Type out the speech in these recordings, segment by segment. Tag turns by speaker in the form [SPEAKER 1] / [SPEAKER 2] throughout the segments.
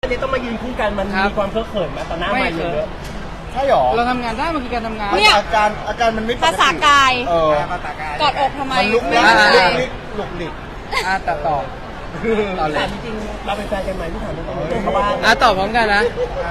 [SPEAKER 1] อันนี้ต้องมายืนคู่กันมันมีความเคอะเขินไหมตอนหน้าไม่เยอะ
[SPEAKER 2] ใช่หรอ
[SPEAKER 3] เราทำงานได้มันคือการทำงาน
[SPEAKER 2] เนี่ยอาการมันไม่
[SPEAKER 4] ภาษากายกอดอกทำไม
[SPEAKER 2] มันลุกลี้ลุกลิก
[SPEAKER 3] ตัดต่อ
[SPEAKER 1] ถามจริงๆเราเป็นแฟนกันไหมที่ถามตรงๆเพราะว่า
[SPEAKER 3] ตอบพร้อมกันนะ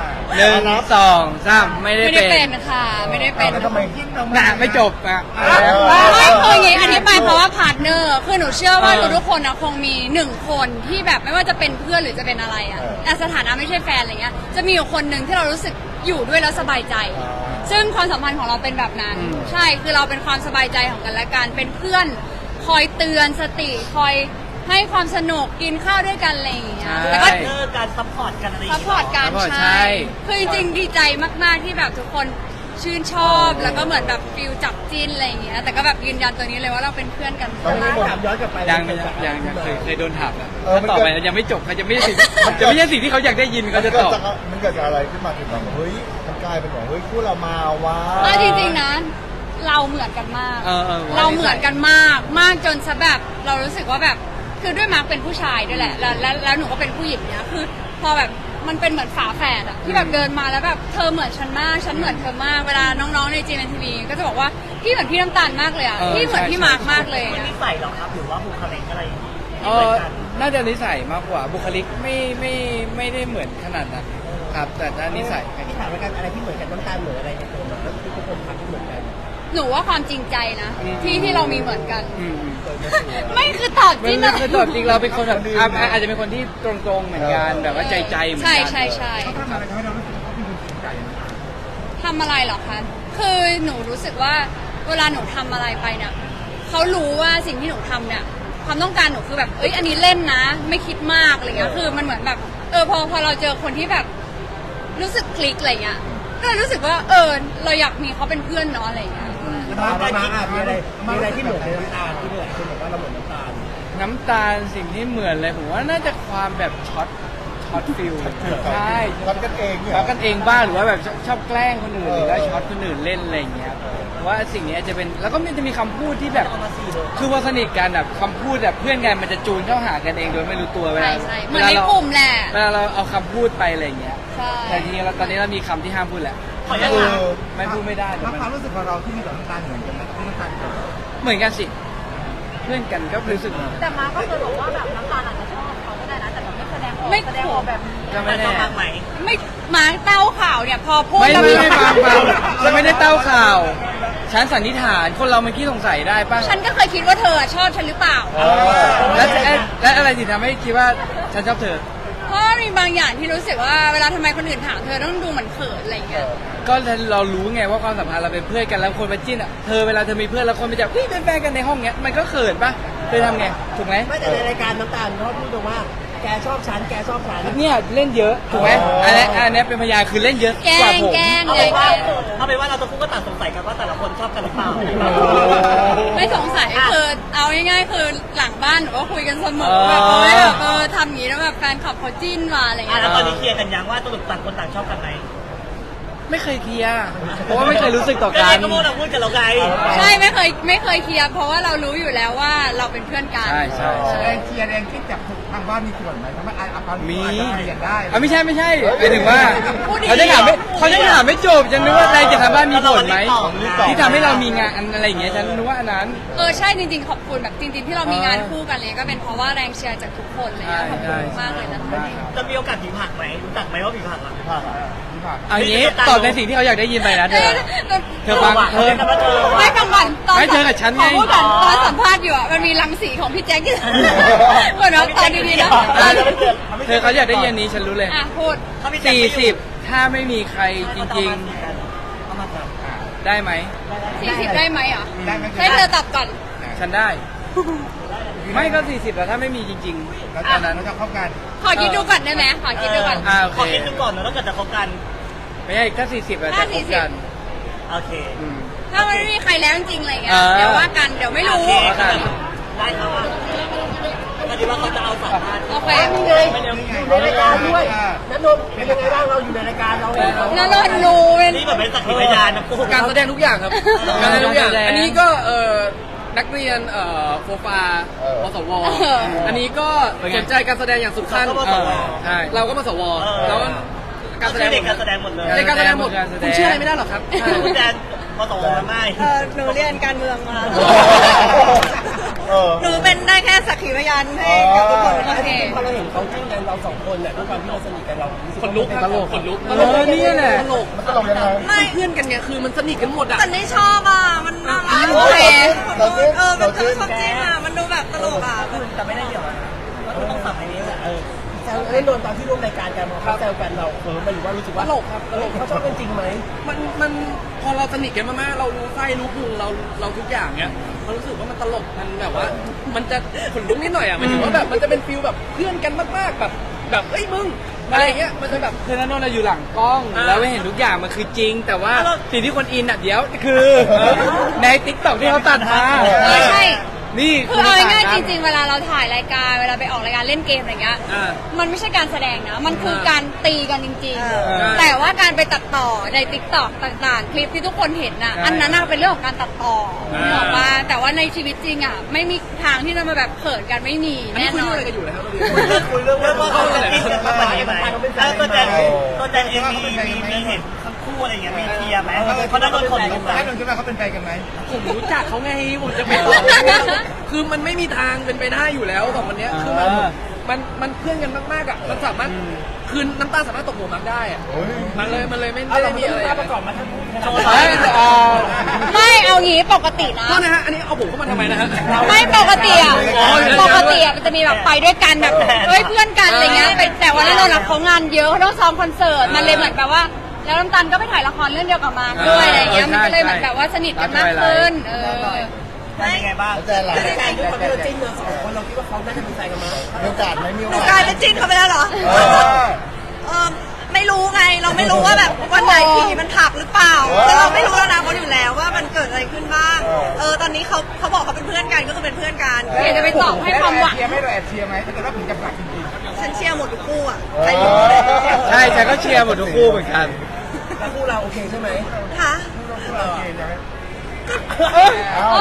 [SPEAKER 3] 1 2 3ไม่ได้เป็น
[SPEAKER 4] ค่ะไม่ได้เป็น
[SPEAKER 2] ทำไม
[SPEAKER 3] ไม่จบอ่ะ
[SPEAKER 4] ไม่คืออย่างนี้อธิบายเพราะว่าพาร์ทเนอร์คือหนูเชื่อว่าทุกคนนะคงมี1คนที่แบบไม่ว่าจะเป็นเพื่อนหรือจะเป็นอะไรอ่ะแต่สถานะไม่ใช่แฟนอะไรเงี้ยจะมีอยู่คนหนึ่งที่เรารู้สึกอยู่ด้วยแล้วสบายใจซึ่งความสัมพันธ์ของเราเป็นแบบนั้นใช่คือเราเป็นความสบายใจของกันและกันเป็นเพื่อนคอยเตือนสติคอยให้ความสนุกกินข้าวด้วยกันอะไรอย่างเงี้ย
[SPEAKER 1] แล้วก็การซัพพอร์ตกันอะไร
[SPEAKER 4] ซัพพอร์ตกันใช่คือจริงๆดีใจมากๆที่แบบทุกคนชื่นชอบแล้วก็เหมือนแบบฟิลจับจิ้นอะไรอย่างเงี้ยแต่ก็แบบยืนยันตัวนี้เลยว่าเราเป็นเพื่อนกัน
[SPEAKER 1] ถามย้อนกลับไป
[SPEAKER 3] ยังเคยโดนถามแล้วต่อไปยังไม่จบเขาจะไม่ใช่สิ่งที่เขาอยากได้ยินเขาจะตอบ
[SPEAKER 2] มันเกิดจากอะไรขึ้นมาถึงแบบเฮ้ยมันกลายเป็นแบบเฮ้ยคู่เรามาว้า
[SPEAKER 4] จริงๆนะเราเหมือนกันมากเราเหมือนกันมากจนซะแบบเรารู้สึกว่าแบบคือด้วยมาร์กเป็นผู้ชายด้วยแหละแล้วหนูก็เป็นผู้หญิงเนี้ยคือพอแบบมันเป็นเหมือนฝาแฝดอะที่แบบเดินมาแล้วแบบเธอเหมือนฉันมากฉันเหมือนเธอมากเวลาน้องๆในGMMTVก็จะบอกว่าพี่เหมือนพี่น้ำตาลมากเลยอะพี่เหมือนพี่มาร์กมากเลย
[SPEAKER 1] นิสัยหรอครับหรือว่าบุคลิกอะไร
[SPEAKER 3] น่าจะนิสัยมากกว่าบุคลิกไม่ได้เหมือนขนาดนั้นครับแต่ถ้านิสัย
[SPEAKER 1] ที่ถามกันอะไรที่เหมือนกันน้ำตาลเหมือนอะไรในตัวมันก็ทุกคนทำที่เหมือนกัน
[SPEAKER 4] หนูว่าความจริงใจนะที่เรามีเหมือนกันไม่คือตอบจริง
[SPEAKER 3] คือตอบจริงเราเป็นคนแบบอาจจะเป็นคนที่ตรงๆเหมือนกันแบบว่าใจเหมือนกัน
[SPEAKER 4] ใช่เขาทำอะไรทำให้เรารู้สึกว่าเขาเป็นคนจริงใจทำอะไรหรอคะคือหนูรู้สึกว่าเวลาหนูทำอะไรไปเนี่ยเขารู้ว่าสิ่งที่หนูทำเนี่ยความต้องการหนูคือแบบอันนี้เล่นนะไม่คิดมากอะไรเงี้ยคือมันเหมือนแบบพอเราเจอคนที่แบบรู้สึกคลิกอะไรเงี้ยก็เลยรู้สึกว่าเราอยากมีเขาเป็นเพื่อนเนาะอะไรเงี้ย
[SPEAKER 1] มีอะไรที่เหมือนในน้ำตาลที่เหมือนคนบอกว่าเราเหมือน
[SPEAKER 3] น้ำตาลสิ่งที่เหมือนเลยผมว่าน่าจะความแบบช็อตฟิลใช่
[SPEAKER 2] ช็อตกันเอง
[SPEAKER 3] ช็อตกันเองบ้างหรือว่าแบบชอบแกล้งคนอื่นหรือว่าช็อตคนอื่นเล่นอะไรอย่างเงี้ยว่าสิ่งนี้จะเป็นแล้วก็มันจะมีคำพูดที่แบบคือพอสนิทกันแบบคำพูดแบบเพื่อนกันมันจะจูนเข้าหากันเองโดยไม่รู้ตัวเวลา
[SPEAKER 4] เหมือนในกลุ่มแหละ
[SPEAKER 3] เวลาเราเอาคำพูดไปอะไรอย่างเงี้ยแต่ทีนี้ตอนนี้เรามีคำที่ห้ามพูดแหละไม่พูดไม่ได้
[SPEAKER 2] ความรู้สึกของเราที่มีต่อน้ำตาลเหมือนกันไหมที่น้ำตาล
[SPEAKER 3] เหมือนกันสิเพื่อนกันก็รู้สึก
[SPEAKER 4] แต่มาก็เคยบอกว่าแบบน้ำตาลอาจจะชอบเขาก็ได้นะแต่แบบไม่แสดงออกแบบนี้
[SPEAKER 3] ก็ไม่แน่
[SPEAKER 4] ไม่มาเต้าข่าวเนี่ยพอพูด
[SPEAKER 3] แล้วไม่ฉันไม่ได้เต้าข่าวฉันสันนิษฐานคนเรามันขี้สงสัยได้ป่ะ
[SPEAKER 4] ฉันก็เคยคิดว่าเธอชอบฉันหรือเปล่า
[SPEAKER 3] และอะไรที่ทำให้คิดว่าฉันชอบเธอ
[SPEAKER 4] เพราะมีบางอย่างที่รู้สึกว่าเวลาทำไมคนอื่นถามเธอต้องดูเหมือนเขินอะไรเงี้ย
[SPEAKER 3] ก็เรารู้ไงว่าความสัมพันธ์เราเป็นเพื่อนกันแล้วคนมาจิ้นอ่ะเธอเวลาเธอมีเพื่อนแล้วคนไปจับเป็นแฟนกันในห้องเงี้ยมันก็เขินป่ะเธอทำไงถูกไหม
[SPEAKER 1] ไม่แต่ในรายการน้ำตาลเขาพูดตรงว่าแกชอบฉัน
[SPEAKER 3] เนี่ยเล่นเยอะถูกไหมอันนี้เป็นพยานคือเล่นเยอะ
[SPEAKER 4] กว่าผม
[SPEAKER 1] เอาเป็นว่าเราต้องพูดก็ต่างสงสัยกันว่าแต่ละคนชอบกันหรือเปล่า
[SPEAKER 4] ไม่สงสัยคือเอาง่ายๆคือหลังบ้านหนูก็คุยกันเสมอแบบทำอย่างนี้แล้วแบบแฟนคลับเขาจิ้นมาอะไรเงี้ย
[SPEAKER 1] แล้วตอนนี้เคลียร์กันยังว่าตัวต่างคนต่างชอบกันไหม
[SPEAKER 3] ไม่เคยเคลียร์เพราะว่าไม่เคยรู้สึกต่อกัน
[SPEAKER 1] ก็พวกเราพูดกันเราไง
[SPEAKER 4] ใช่ไม่เคยเคลียร์เพราะว่าเรารู้อยู่แล้วว่าเราเป็นเพื่อนกัน
[SPEAKER 3] ใช่
[SPEAKER 2] แรงเคลียร์แรงคิดจากทางบ้านมีส่วนไหมทำให้อาการ
[SPEAKER 3] มี
[SPEAKER 2] เปลี่ยนได้
[SPEAKER 3] ไม่ใช่หมายถึงว่าเขาจะถามไม่จบฉันนึกว่าแรงจากทางบ้านมีผลไหมที่ทำให้เรามีงานอะไรอย่างเงี้ยฉันนึกว่าอันนั้น
[SPEAKER 4] ใช่จริงๆขอบคุณแบบจริงๆที่เรามีงานคู่กันเลยก็เป็นเพราะว่าแรงเชียร์จากทุกคนเลยขอบคุณมากเลยนะคะ
[SPEAKER 1] จะมีโอกาสผีผักไหมรู้จักไหมว่าผีผักอ่ะ
[SPEAKER 3] อันนี้ตอบในสิ่งที่เขาอยากได้ยินไปนะเธอฟัง
[SPEAKER 4] ไม่ฟังก่อนตอน
[SPEAKER 3] เธอกับฉันไง
[SPEAKER 4] พูดก่อนตอนสัมภาษณ์อยู่อ่ะมันมีรังสีของพี่แจ็คอยู่เหมือนว่าตอนดีๆนะ
[SPEAKER 3] เธอเขาอยากได้ยินนี้ฉันรู้เลย
[SPEAKER 4] พูด
[SPEAKER 3] 40ถ้าไม่มีใครจริงๆได้ไหม
[SPEAKER 4] 40ได้ไหมอ่ะให้เธอตอบก่อน
[SPEAKER 3] ฉันได้ไม่ก็40แล้วถ้าไม่มีจริงๆแล้วตอนนั้น
[SPEAKER 2] จะคบกัน
[SPEAKER 4] ขอคิดดูก่อนได้ไหมขอคิดดูก่อน
[SPEAKER 1] ขอคิดดูก่อนแล้วเกิดจะคบกัน
[SPEAKER 3] ไม่ใช่ถ้า40แล้วจะคบกัน
[SPEAKER 1] โอเค
[SPEAKER 4] ถ้ามันไม่มีใครแล้วจริงๆอะไรเงี้ยเดี๋ยวว่ากันเดี๋ยวไม่รู้
[SPEAKER 1] ได้ครับก็ดีว่าเขาจะเอาสัมภาษณ์
[SPEAKER 4] โอเค
[SPEAKER 1] อยู่ในรายการด้วยนันนนเป็นยังไงบ้างเราอยู่ในรายการเรา
[SPEAKER 4] นันนนรู้
[SPEAKER 1] นี่แบบเป็นสักขีพยานนะ
[SPEAKER 3] การแสดงทุกอย่างครับการแสดงทุกอย่างอันนี้ก็
[SPEAKER 5] นักเรียนโฟฟาปสว
[SPEAKER 4] เออ
[SPEAKER 5] อันนี้ก็สนใจการแสดงอย่างสุดขั้น
[SPEAKER 3] ใช่
[SPEAKER 5] เราก็ปสวแล้วการแสดง
[SPEAKER 6] เด็กการแสดงหมดเลย
[SPEAKER 5] ในการแสดงหมดคุณเชื่ออะไรไม่ได้หรอกครับ
[SPEAKER 6] คุณแดนปสวไม่
[SPEAKER 7] หนูเรียนการเมืองมา
[SPEAKER 2] เออ
[SPEAKER 7] หนูเป็นได้แค่สักขีพยานให้กับทุกคน
[SPEAKER 4] โอเค
[SPEAKER 1] พอเราเห็นเขาจิ้นกันเราสองคนเนี่ยด้วยความที่เราสนิทกันเรารู้สึก
[SPEAKER 5] ขนลุกครับ
[SPEAKER 3] ตลก
[SPEAKER 5] ขนลุก
[SPEAKER 3] นี่แหละ
[SPEAKER 5] ตลก
[SPEAKER 2] มันตลกยังไง
[SPEAKER 7] ไม่
[SPEAKER 5] เพื่อนกันเนี่ยคือมันสนิทกันหมดอ่ะ
[SPEAKER 7] แต่นี่ชอบอ่ะ มันน่ารัก
[SPEAKER 4] โอเค
[SPEAKER 2] เราจิ้น
[SPEAKER 7] มัน
[SPEAKER 2] เราจิ้น
[SPEAKER 7] ชอบจริงอ่ะ มันดูแบบตลกอ่ะ
[SPEAKER 6] แต่ไม่ได้เกี่ยวนะก็ต้องสับอันนี้แหละ
[SPEAKER 1] แซวเล่นโดนตอนที่ร่วมรายการกันเขาแซวกันเรามันหรือว่ารู้สึกว่า
[SPEAKER 5] ตลกครับตลก
[SPEAKER 1] เขาชอบกันจริงไหม
[SPEAKER 5] มันพอเราสนิทกันมากๆเรารู้ไส้รู้พุงเราทุกอย่างเนี้ยมันรู้สึกว่ามันตลกมันแบบว่า มันจะขนลุกนิดหน่อยอ่ะหมันถือว่าแบบมันจะเป็นฟิลแบบเพื่อนกันมากๆแบบเอ้ยมึงอะไรอย่างเงี้ยมันจะแบบ
[SPEAKER 3] คือนันนนท์อยู่หลังกล้อง แล้วไม่เห็นทุกอย่างมันคือจริง แต่ว่าสิ่งที่คนอินอ่ะเดี๋ยวคือในติ๊กต็อกที่เขาตัดมา
[SPEAKER 4] ไม่ใช่
[SPEAKER 3] นี่
[SPEAKER 4] คือเอาง่ายๆจริงๆ เวลาเราถ่ายรายการเวลาไปออกรายการเล่นเกมอะไรเงี้ย
[SPEAKER 5] อ่า
[SPEAKER 4] มันไม่ใช่การแสดงนะ มันคือการตีกันจริง
[SPEAKER 3] อ
[SPEAKER 4] ๆ แต่ว่าการไปตัดต่อในติ๊กต็อกต่างๆ คลิปที่ทุกคนเห็นน่ะ
[SPEAKER 3] ใช่
[SPEAKER 4] อันนั้นน่ะเป็นเรื่องของการตัดต่อ
[SPEAKER 5] อ่า
[SPEAKER 4] นึกออกว่าแต่ว่าในชีวิตจริงอ่ะ ไม่มีทางที่จะมาแบบเขินกันไม่มี
[SPEAKER 5] อันนี้
[SPEAKER 4] แน่
[SPEAKER 5] คุย
[SPEAKER 4] น
[SPEAKER 5] เรื่
[SPEAKER 4] อ
[SPEAKER 5] อน งอะไรกันอยู่นะครับ
[SPEAKER 6] คุยเรื่องว่าเขาจะกินกันมาไหมตัวแดนเองมีเห็นทั้งคู่อะไรอย่างเงี้ยมีเคลียร์ไหมเขาได้โดนคนลุกไหม
[SPEAKER 2] ให้นนท์คิดว่าเขาเป็นแฟนกันไหม
[SPEAKER 5] ผมรู้จักเขาไงผมจะไปบอกคือมันไม่มีทางเป็นไปได้อยู่แล้วสองคนเนี้ยคือมันเพื่อนกันมากๆอ่ะมันสามารถคืนน้ำตาสามารถตกหัวมักได้อ่ะ
[SPEAKER 2] โอ้ย
[SPEAKER 5] มันเลยไม่
[SPEAKER 1] เอา
[SPEAKER 5] ได้
[SPEAKER 1] เรา
[SPEAKER 5] มี
[SPEAKER 1] มี
[SPEAKER 5] อะ
[SPEAKER 1] อะไร ไร
[SPEAKER 5] อะ
[SPEAKER 1] ประกอบมาทั้งคู่ขนาด
[SPEAKER 3] เฮ้ย
[SPEAKER 4] ไม่เอางี้ปกตินะ
[SPEAKER 5] โทษนะฮะอันนี้เอาผมเข้ามาทำไมนะฮะ
[SPEAKER 4] ไม่ปกติอ่ะ
[SPEAKER 5] อ๋ออยู่ใน
[SPEAKER 4] ป
[SPEAKER 5] นั้น
[SPEAKER 4] กติอ่ะมันจะมีแบบไปด้วยกันแบบเฮ้ยเพื่อนกันอะไรเงี้ยแต่ว่าแล้วเราเขางานเยอะเขาต้องซ้อมคอนเสิร์ตมันเลยเหมือนแบบว่า แล้วน้ำตาลก็ไปถ่ายละครเรื่องเดียวกับมาร์คด้วยอะไรเงี้ยมันก็เลยเหมือนแบบว่าสนิทกันมากขึ้น
[SPEAKER 6] เป็นยังไงบ้าง
[SPEAKER 2] แล้วแจนหลัง
[SPEAKER 1] ในการที่เขาเราจิ้นเราสองคนเราคิดว่าเขาน่าจะเป็นแฟนกันมั้ย
[SPEAKER 2] มีโอกาสไหมมีโอ
[SPEAKER 7] หนู
[SPEAKER 2] กาส
[SPEAKER 7] กลายเป็นจิ้นเขาไปแล้วเหรอ
[SPEAKER 2] เออ
[SPEAKER 7] ไม่รู้ไง เราไม่รู้ว่าแบบวันไหนผีมันผลักหรือเปล่าแต่เราไม่รู้แล้วนะเขาอยู่แล้วว่ามันเกิดอะไรขึ้นบ้าง ตอนนี้เขาบอกเขาเป็นเพื่อนกันก็คือเป็นเพื่อนกัน
[SPEAKER 4] อยากจะไปตอบให้ความหวัง
[SPEAKER 2] เชียร์ไหมเราแอบเชียร์ไหมถ้าเกิดว่าถึงจะผลักจริง
[SPEAKER 7] ฉันเชียร์หมดทุกคู่อ่ะ
[SPEAKER 2] ๆ
[SPEAKER 7] ใครอยู่ก็ได้เชียร์
[SPEAKER 3] ใช่ฉันก็เชียร์หมดทุกคู่เหมือนกัน
[SPEAKER 1] แล้วคู่เราโอเคใช่ไหม
[SPEAKER 7] ค่ะ
[SPEAKER 2] เอ้า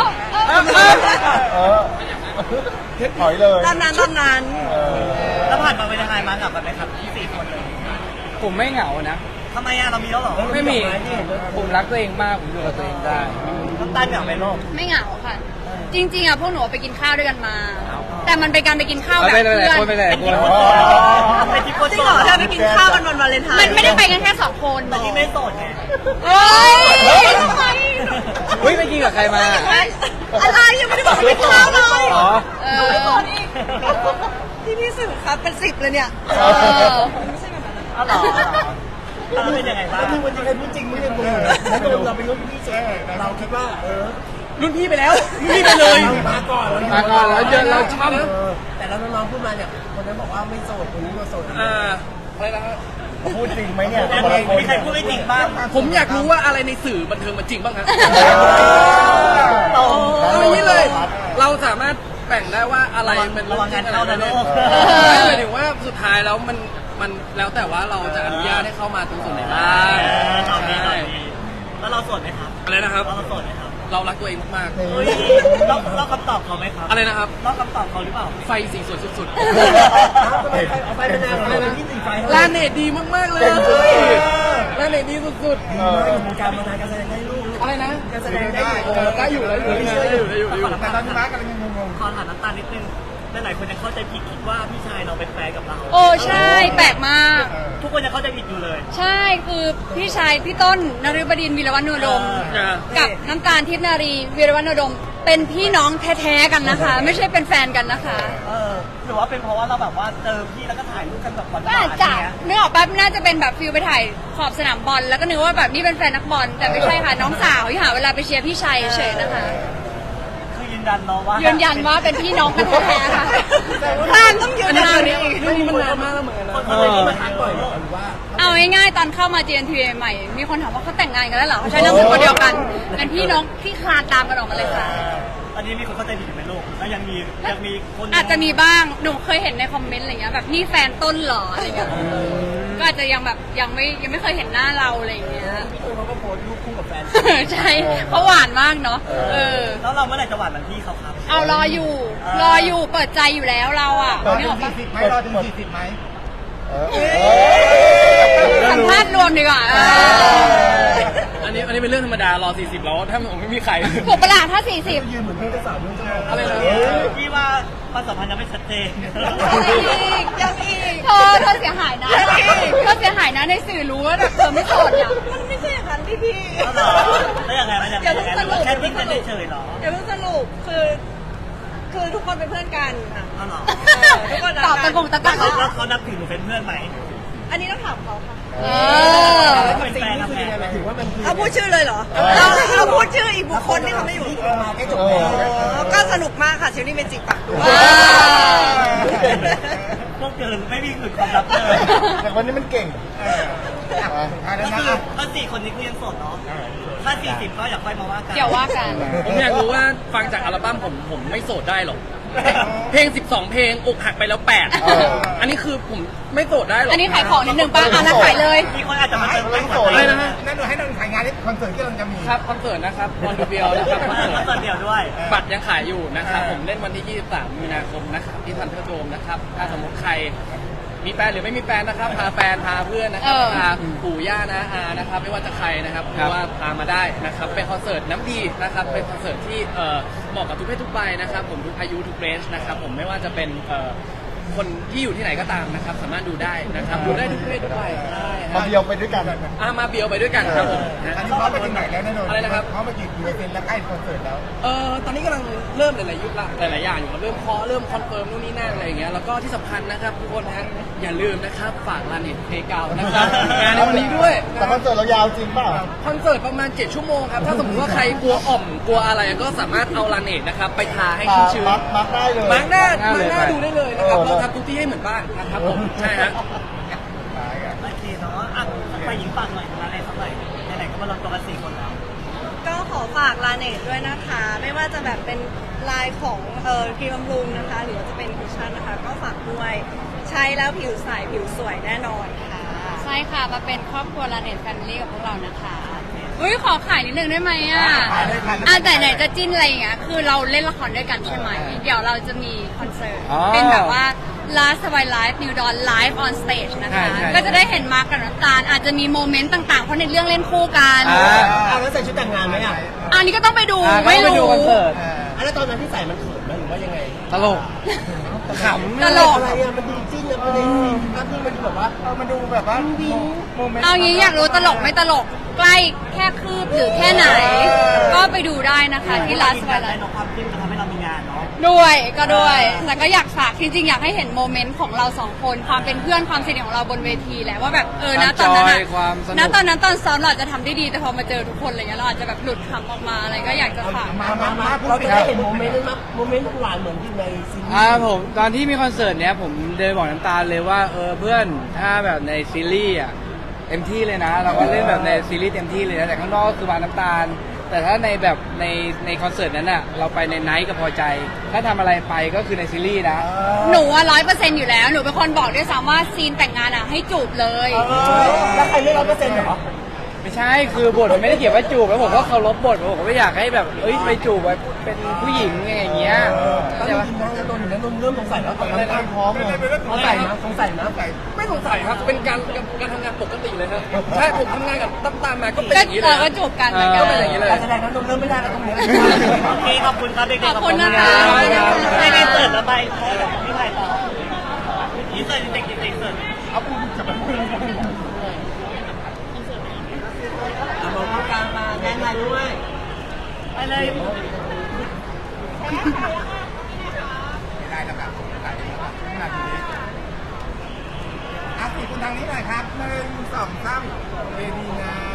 [SPEAKER 2] ถอยเลย
[SPEAKER 7] ตอนนั้น
[SPEAKER 6] แล้วผ่านมาเป็นยังไงมากับกันไหมครับที่4 คนเลย
[SPEAKER 3] ผมไม่เหงานะ
[SPEAKER 6] ทำไมเรามีแล้วหรอ
[SPEAKER 3] ไม่มี ผมรักตัวเองมาก ผมอยู่กับตัวเองได้
[SPEAKER 6] น้ำตาลเหงาไหมโลก
[SPEAKER 4] ไม่เหงาค่ะ จริงๆอ่ะพวกหนูไปกินข้าวด้วยกันมา แต่มันเป็นการไปกินข้าวแบบ
[SPEAKER 3] ไปเลย
[SPEAKER 4] เพื่อน
[SPEAKER 3] คนไปเลย
[SPEAKER 6] เป็น
[SPEAKER 3] ค
[SPEAKER 6] ที่
[SPEAKER 3] น
[SPEAKER 6] คนโสดเป็นที่คน
[SPEAKER 7] จริ
[SPEAKER 6] โส
[SPEAKER 7] งเหรอ
[SPEAKER 6] ด
[SPEAKER 7] เธอไปกินข้าวกันวันวาเลนไทน์
[SPEAKER 4] มันไม่ได้ไปกันแค่สองคน
[SPEAKER 6] แต่ที่ไม่โสดไง
[SPEAKER 4] เฮ้ยทำไม
[SPEAKER 3] เฮ้ยไปกินกับใครมา
[SPEAKER 7] อะไรยังไม่ได้บอกว่าไปข้าวเลย
[SPEAKER 3] อ๋อ
[SPEAKER 4] เออ
[SPEAKER 7] ที่พี่สื่อครับเป็น10เลยเนี่ย
[SPEAKER 4] เออ
[SPEAKER 7] ไม่ใช่แบบนั้น
[SPEAKER 6] อ๋อเหรอแล้วเป็นยังไงบ้าง
[SPEAKER 1] แล้วมึงวันนี้ใครพูดจริงไม่ได้มึงแล้วโดนเราเป็นรุ่นพี่เจ๊เราคิดว่า
[SPEAKER 5] รุ่นพี่ไปแล้วรุ่นพี่ไปเลย
[SPEAKER 1] มาก่อน
[SPEAKER 3] มาก่อนแล้วเจอเราช้
[SPEAKER 1] แต่แล้วน้องๆพูดมาเนี่ยคนนั้นบอกว่าไม่โสดคนนี้ก็โสด
[SPEAKER 5] อะไรนะฮะ
[SPEAKER 2] พูดจริงไหมเนี่ย
[SPEAKER 6] มีใครพูดไม่จริงบ้าง
[SPEAKER 5] ผมอยากรู้ว่าอะไรในสื่อบันเทิงมันจริงบ้างครับ
[SPEAKER 6] ตรง
[SPEAKER 5] เอาอย่างนี้เลย เราสามารถแบ่งได้ว่าอะไรมัน
[SPEAKER 6] ระวังงานเข้านะลูก
[SPEAKER 5] หมายถึงว่าสุดท้ายแล้วมันแล้วแต่ว่าเราจะอนุญาตให้เข้ามาตรงส่วนไหนบ้าง
[SPEAKER 6] ตอนนี้แล้วเราโสดไหมครับ
[SPEAKER 5] อะไรนะครับ
[SPEAKER 6] เราโสดไหมครับ
[SPEAKER 5] เรารักตัวเองมาก
[SPEAKER 6] เฮ้ยเราคำตอบเขาไหมครับ
[SPEAKER 5] ๆ อะไรนะครับ
[SPEAKER 6] เราคำตอบเขาหรือเปล่า
[SPEAKER 5] ไฟสีสวยสุด
[SPEAKER 1] เอาไปเป็นแนวเลยที่สีไฟ
[SPEAKER 5] ๆลาเนตดีมากๆเลยลาเนตดีสุด
[SPEAKER 1] ดีมากอยู่วงการมานานการแสดงได้ลูก
[SPEAKER 5] ๆ อะไรนะ
[SPEAKER 1] การแสดงได้
[SPEAKER 5] ได้อยู่ได้อยู่
[SPEAKER 2] แต่ตอนนี้มาร์กกำลังงง
[SPEAKER 6] ขอถามน้ำตาลนิดนึงหลายๆคนจะเข้าใจผิดคิดว่าพี่ชายเราเป็นแฟนกับเรา
[SPEAKER 4] โอ้ใช่แปลกมาก
[SPEAKER 6] ทุกคนจะเข้าใจผิดอยู่เลย
[SPEAKER 4] ใช่คือพี่ชายพี่ต้นนฤบดินทร์วีรวัฒนโนดม กับน้ำตาลทิพย์นารีวีรวัฒนโนดม เป็นพี่น้องแท้ๆกันนะคะ ไม่ใช่เป็นแฟนกันนะคะ
[SPEAKER 6] หรือว่าเป็นเพราะว่าเราแบบว่าเจอพี่แล้วก็ถ่ายรูปกันแบบหวาน
[SPEAKER 4] ก็อาจ
[SPEAKER 6] ๆ
[SPEAKER 4] จะ
[SPEAKER 6] เนี้ย
[SPEAKER 4] นึกออกแป๊บน่าจะเป็นแบบฟิลไปถ่ายขอบสนามบอลแล้วก็นึกว่าแบบนี่เป็นแฟนนักบอลแต่ไม่ใช่ค่ะน้องสาวที่หาเวลาไปเชียร์พี่ชัยเฉยๆนะคะ
[SPEAKER 6] คือยืนยันเนาะว่า
[SPEAKER 4] ยืนยันว่าเป็นพี่น้องกันแท้ๆค่ะ
[SPEAKER 7] ท่านต้องยืนยัน
[SPEAKER 5] เรื่องนี้มันนานมากแล้วเหมือนกันนะ
[SPEAKER 6] คนเลยที่มาถามบ่อย
[SPEAKER 1] หรือว่า
[SPEAKER 4] เอาง่ายๆตอนเข้ามา GNTV ใหม่ๆมีคนถามว่าเขาแต่งงานกันแล้วเหรอเขาใช้นามสกุลเดียวกันเป็นพี่น้องที่คลานตามกันออกมาเลยค่ะ
[SPEAKER 6] อันนี้มีคนเข้าใจผิดอยู่ไหมลูกแล้วยังมีคน
[SPEAKER 4] อาจจะมีบ้าง หนูเคยเห็นในคอมเมนต์อะไรเงี้ยแบบนี่แฟนต้นเหรออะไรเงี้ยก็ก็อาจจะยังแบบยังไม่เคยเห็นหน้าเราอะไรอย่างเงี้ย
[SPEAKER 1] พี่ตูนเขาก็โพสต์รูปคู่กับแฟน
[SPEAKER 4] ใช่เขาหวานมากเนาะ
[SPEAKER 6] แล้วเราเมื่อไหร่จะหวานเหมือนพี่เขาครับ
[SPEAKER 4] เอารออยู่เปิดใจอยู่แล้วเราอ่ะนี่บอกว่า
[SPEAKER 2] ไหมรอถึง40ไหม
[SPEAKER 4] สัมภาษณ์รวมดีกว่า
[SPEAKER 5] อันนี้เป็นเรื่องธรรมดารอ40แล้วถ้าผมไม่มีใคร
[SPEAKER 4] ถูกประหลาดถ้า 40
[SPEAKER 1] ยืนเหมือนเพื่อนเจ้าสาวเพื่อนเจ้า
[SPEAKER 5] อะไรนะ
[SPEAKER 6] พี่ว่าความสัมพันธ์ยังไม่ชัดเจน
[SPEAKER 7] ยังอีก
[SPEAKER 4] เธอเสียหายนะเธอเสียหายนะในสื่อรู้ว่าแบบเธอไม่โสดอ่ะ
[SPEAKER 7] มันไม่ใช่อย่างนั้นพี่
[SPEAKER 6] แล้วยังไงมันยังไงแค่ทิ้งกันเฉยๆหรอ
[SPEAKER 7] เดี๋ยวเพิ่งสรุปคือทุกคนเป็นเพื่อนกันค่ะ
[SPEAKER 6] อ๋อเหรอ
[SPEAKER 7] ทุกคน
[SPEAKER 4] ตอบตะกงตะกัก
[SPEAKER 6] แล้วเขานับถือหนูเป็นเพื่อนไหม
[SPEAKER 7] อันนี้ต้องถามเขาค่ะ
[SPEAKER 6] เป็นแฟนนะแฟน
[SPEAKER 1] ถือว่ามันคือ
[SPEAKER 7] เอาพูดชื่อเลยเหรอเราพูดชื่ออีกบุคคลที่เขาไม่อยู่
[SPEAKER 1] ที่มาแค่จบแล้ว
[SPEAKER 7] ก็สนุกมากค่ะเชลลี่เมจิกปากด้วย
[SPEAKER 6] พวกเกินไม่มีหลุดความลับเลย
[SPEAKER 2] แต่วันนี้มันเก่ง
[SPEAKER 6] ก็คือถ้า4 คนนี้คือยังโสดเนาะถ้า40ก็อยากค่อยมาว่ากัน
[SPEAKER 4] เดี๋ยวว่ากัน
[SPEAKER 5] ผมอยากรู้ว่าฟังจากอัลบั้มผมไม่โสดได้หรอกเพลง12เพลงอกหักไปแล้ว8อันนี้คือผมไม่โสดได้หรอก
[SPEAKER 4] อันนี้ขายของนิดนึงป้าอ่ะแล้วขายเลย
[SPEAKER 6] มีคนอาจจะมาเติมไม่
[SPEAKER 5] อะไรนะฮะ
[SPEAKER 2] นั่นดูให้เราถ่ายงานที่คอนเสิร์ตที่เราจะมี
[SPEAKER 5] ครับคอนเสิร์ตนะครับวอนดูเบียวนะครับคอนเสิร์ต
[SPEAKER 6] เติมเดียวด้วย
[SPEAKER 5] บัตรยังขายอยู่นะครับผมเล่นวันที่ 23 มีนาคมนะครับที่ทันเทอร์โดมนะครับถ้าสมมติใครมีแฟนหรือไม่มีแฟนนะครับพาแฟนพาเพื่อนนะครับพาปู่ย่านะอานะครับไม่ว่าจะใครนะครับเพราะว่าพามาได้นะครับเป็นคอนเสิร์ตน้ำดีนะครับเป็นคอนเสิร์ตที่เหมาะกับทุกเพศทุกวัยนะครับผมทุกอายุทุกเรนจ์นะครับผมไม่ว่าจะเป็นคนที่อยู่ที่ไหนก็ตามนะครับสามารถดูได้นะครับดูได้ทุกเพศทุกวัยใช่
[SPEAKER 2] มาเดียวไปด้วยกัน
[SPEAKER 5] มาเบียวไปด้วยกันครับผม
[SPEAKER 2] อันนี้พร้อมไปถึงไหนแล้วแน่นอน
[SPEAKER 5] อะไรนะครับ
[SPEAKER 2] พร้อมไปกี่เปอร์เซ็นต์แล้วใกล้คอนเสิร์ตแล้ว
[SPEAKER 5] ตอนนี้กำลังเริ่มหลายๆยุคละหลายๆอย่างอยู่ครับเริ่มเคาะเริ่มคอนเฟิร์มนู่นนี่นั่นอะไรอย่างเงี้ยแล้วก็ที่สำคัญนะครับทุกคนนะอย่าลืมนะครับฝากลาเน็ตเพเกานะครับงานในวันนี้ด้วย
[SPEAKER 2] แต่คอนเสิร์ตเรายาวจริงเปล่า
[SPEAKER 5] คอนเสิร์ตประมาณ7 ชั่วโมงครับถ้าสมมติว่าใครกลัวอ่อมกลัวอะไรก็สามารถเอาลาเน็ตนะครับไปทาให้ชุ่มชื้น
[SPEAKER 2] มาร์คได้เลย
[SPEAKER 5] มาร์กหน้าดูได้เลยนะครับเราทำทุกที่ให้เหมือนบ้านนะครับผมใช่ฮะ
[SPEAKER 6] โอเคเนาะอ่ะไปหญิงฝากหน่อยมาอะไรสักหน่อยไหนๆก็มาลงตัวกัน4 คนแล้ว
[SPEAKER 7] ก็ขอฝากลาเนตด้วยนะคะ ไม่ว่าจะแบบเป็นลายของครีมบำรุงนะคะ หรือว่าจะเป็นคุชชั่นนะคะ ก็ฝากด้วยใช้แล้วผิวใสผิวสวยแน่นอนค่ะ
[SPEAKER 4] ใช่ค่ะมาเป็นครอบครัวลาเน็ตแฟมิลี่กับพวกเรานะคะอุ้ยขอขายนิดนึงได้ไหมอ่ะแต่ไหนจะจิ้นอะไรอย่างเงี้ยคือเราเล่นละครด้วยกันใช่ไหมเดี๋ยวเราจะมีคอนเสิร์ตเป็นแบบว่า Last Survive Live New Dawn Live on Stage นะคะก็จะได้เห็นมาร์คกับน้ำตาลอาจจะมีโมเมนต์ต่างๆเพราะในเรื่องเล่นคู่กัน
[SPEAKER 1] แล้วใส่ชุดแต่งงานไหมอ่ะ
[SPEAKER 4] อันนี้ก็ต้องไปดูไม่รู้
[SPEAKER 1] แล้วตอนนั้นที่ใส่มันเขินไหมหรือว่ายังไง
[SPEAKER 3] ตลกขำ
[SPEAKER 4] ตลก
[SPEAKER 1] อะไรอ่ะมันดูจิ้นนะมันในซีนภาพที่มันแบบว่า
[SPEAKER 2] มันดูแบบว่าโมเมนต์
[SPEAKER 4] เอางี้อยากรู้ตลกไม่ตลกใกล้แค่คืบหรือแค่ไหน ก็ไปดูได้นะคะที่ Last
[SPEAKER 6] กิน
[SPEAKER 4] Survive
[SPEAKER 6] ได้
[SPEAKER 4] Live
[SPEAKER 6] เนาะความจิ้มจะทำให้เรามีงานเนาะ
[SPEAKER 4] ด้วยก็ด้วยแต่ก็อยากฝากจริงๆอยากให้เห็นโมเมนต์ของเราสองคนความเป็นเพื่อนความสนิทของเราบนเวทีแหละว่าแบบนะตอนนั้นอะ
[SPEAKER 3] ความสนุก
[SPEAKER 4] นะตอนนั้นตอนซ้อมเราอาจจะทำได้ดีแต่พอมาเจอทุกคนอะไรเงี้ยเราอาจจะแบบหลุดคำออกมาอะไรก็อยากจะฝาก
[SPEAKER 1] มาเราจะได้เห็นโมเมนต์นั้นมั้ยโมเมนต์หวานเหมือนที่ในซีรีส์
[SPEAKER 3] ผมตอนที่มีคอนเสิร์ตเนี้ยผมเดินบอกน้ำตาลเลยว่าเพื่อนถ้าแบบในซีรีส์อ่ะเต็มที่เลยนะ เราก็เล่นแบบในซีรีส์เต็มที่เลยนะแต่ข้างนอกก็คือวางน้ำตาล แต่ถ้าในแบบในคอนเสิร์ตนั้นอ่ะเราไปในไนท์ก็พอใจ ถ้าทำอะไรไปก็คือในซีรีส์นะ
[SPEAKER 4] หนูว่า100%อยู่แล้วหนูเป็นคนบอกด้วยซ้ำว่าซีนแต่งงานอ่ะให้จูบเลย
[SPEAKER 1] แล้วใครเลือก100%เหรอ
[SPEAKER 3] ไม่ใช่คือบทมันไม่ได้เขียนว่าจูบแล้วผมก็เคารพบทผมก็ไม่อยากให้แบบไปจูบแบบเป็นผู้หญิงอย่างเงี้ย
[SPEAKER 1] ตอน
[SPEAKER 3] ใช่
[SPEAKER 1] นี้
[SPEAKER 3] ปะ
[SPEAKER 1] กินได้แล้วโดนอยู่แล้วโดนเริ่มสงสัยแล้วตอนนั้นพร้อมเลยสงสัยนะสงสัยนะ
[SPEAKER 5] ไม่สงสัยครับเป็นการทำงานปกติเลยครับใช่ผมทำงานกับตั้มตามมาก็เป็นอย่างนี้เลย
[SPEAKER 4] ก็จูบกันเหมือนกั
[SPEAKER 5] ก็เป็นอย่างนี้เลย
[SPEAKER 1] การแสดงนั้นโดนเริ่มไม่ได้แล้วตรงนี้
[SPEAKER 6] โอเคขอบคุณครับเด็กๆ
[SPEAKER 4] ขอบคุณนะคะ
[SPEAKER 6] ไม่ได้เสิร์ฟแล้วไปพี่ถ่ายต่อนี่เสิร์ฟเด็กๆเสิร์ฟ
[SPEAKER 2] เอาพูดกับมัน
[SPEAKER 1] มองกลางมาแดนไลน์ด้วย
[SPEAKER 6] ไปเลย
[SPEAKER 2] ได้แล้วครับถ่ายได้แล้วครับนาทีนี้สี่คนทางนี้หน่อยครับ1 2 3เวทีงาม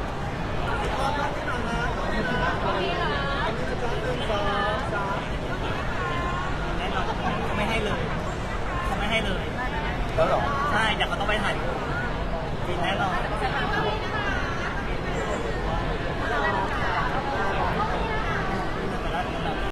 [SPEAKER 6] แน่นอนเขาไม่ให้เลยเขาไม่ให้เลย
[SPEAKER 2] แล้วหรอ
[SPEAKER 6] ใช่เดี๋ยวเขาต้องไปถ่ายกินแน่นอน